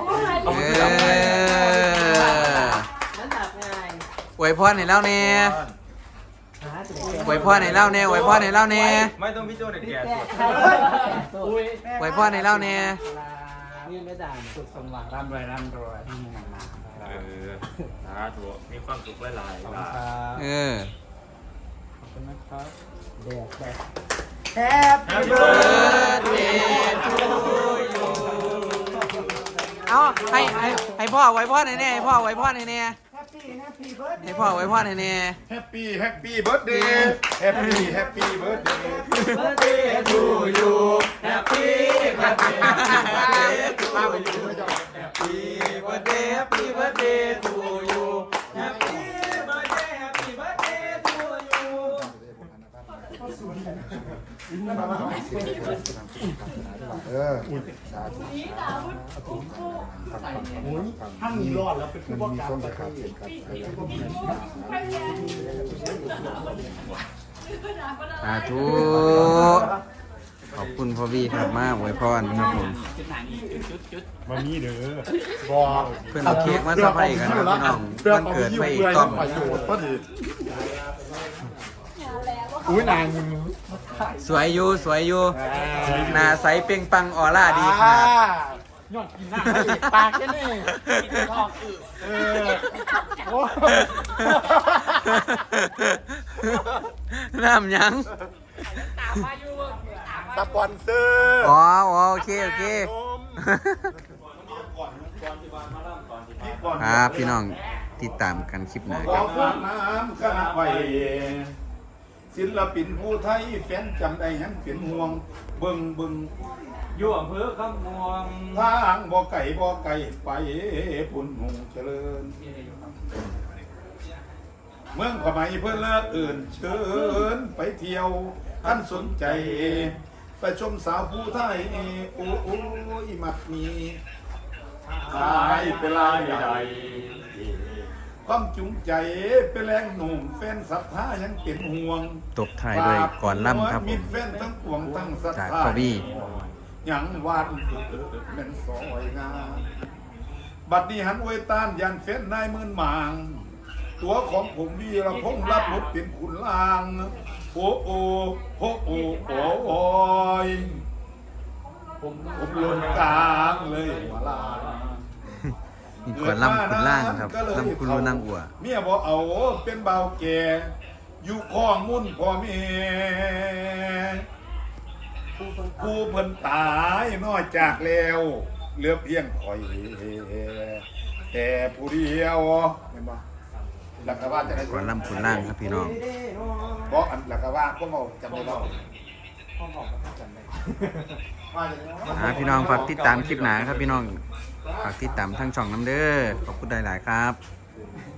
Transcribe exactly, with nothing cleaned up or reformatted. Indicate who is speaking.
Speaker 1: เอออวยพรให้เล่าแน่อวยพรให้เล่าแน่อวยพรให้เล่าแน่
Speaker 2: ไม่ต้องพี่โจ้เด็กแก่สุด
Speaker 1: อวยพรให้เล่าแน่
Speaker 3: นี่ไม่ด่าสุขสมหวังร่ำรวยร่ำรวยที่มีเงินมา
Speaker 2: เออสาธุมีความสุขหลายๆล่ะ
Speaker 1: เออ
Speaker 3: ขอบคุณนะครับเด็กแก่
Speaker 1: Happy birthday to you เอาให้ให้ให้พ่อไว้พ่อหน่อยเนี่ยให้พ่อไว้พ่อหน่อยเนี่ยให้พ่อไว้พ่อหน่อยเนี่ย
Speaker 4: Happy Happy Birthday Happy Happy Birthday
Speaker 1: Birthday to you Happy Happy Birthday to you Happy Birthday Happy Birthday to you Happy Birthday Happy Birthday to you
Speaker 4: เออถ้ามีรอดแล้วเป็นผู้ประกาศมีครับ
Speaker 1: สาธุขอบคุณพ่อบี้ครับมากไว้พรครับผม
Speaker 4: มามีเด้อบอก
Speaker 1: เพื่อนเอาเค้กมาสะพายกันครับพี่น้องวันเกิดไปอีกต้อม
Speaker 3: อุ้ยนาง
Speaker 1: สวยอยู่สวยอยู่หน้าใสเปล่งปังออร่าดีครับ
Speaker 3: ยอดกินหน้าปากแค่นี้กินทองอือเออโอ้
Speaker 1: น้ำยัง
Speaker 4: สปอนเซอร์
Speaker 1: อ๋อโอเคโอเคครับพี่น้องติดตามกันคลิปหน้าครับ
Speaker 4: น้ำคณะไว้ศิลปินผู้ไทยแฟนจำได้ยังเป็นห่วงเบิ่งเบิ่ง
Speaker 2: อยู่อำเภอคำม่วง
Speaker 4: ทางบ่ไก่บ่ไก่ไปปุ่นหงเจริญเมืองขมายเพื่อนเลิกอื่นเชิญไปเที่ยวท่านสนใจไปชมสาวผู้ไทยโอ้โอ้ยมัดมีขายเป็นลายใหญ่ความจุงใจเป็นแรงหนุ่มแฟนศรัทธายังเป็นห่วง
Speaker 1: ตบท้ายด้วยก่อนล่ำครับผม
Speaker 4: แฟนทั้งปวงทั้งศรัทธา
Speaker 1: จากพ่อบี้
Speaker 4: ยังวาดเป็นสอยงามบัดนี้หันอวยตานยันเฟ้นนายมื่นหมางตัวของผมวีระพงษ์รับบทเป็นขุนลางโอ้โอ้โอ้โอ้โอ้โอ้ยผมผมลนกลางเลยหัวลา
Speaker 1: นี่ก่อนล่ำคุณล่างครับล่ำคุณรู้นั่งอัว
Speaker 4: เมียบอกเอาเป็นเบาแก่อยู่ข้องมุ่นพ่อแม่ผู้เพิ่นตายนอกจากแล้วเหลือเพียงคอยแต่ผู้เดียวเห็นบ่หลักว่าจะได้
Speaker 1: ก่อนล่ำคุณล่างครับพี่น้อง
Speaker 4: เพราะอันหลักว่าก็เมาจำได้บ่
Speaker 1: อ่าพี่น้องฝากติดตามคลิปหนาครับพี่น้องฝากติดตามทั้งช่องน้ำเด้อขอบคุณหลายๆครับ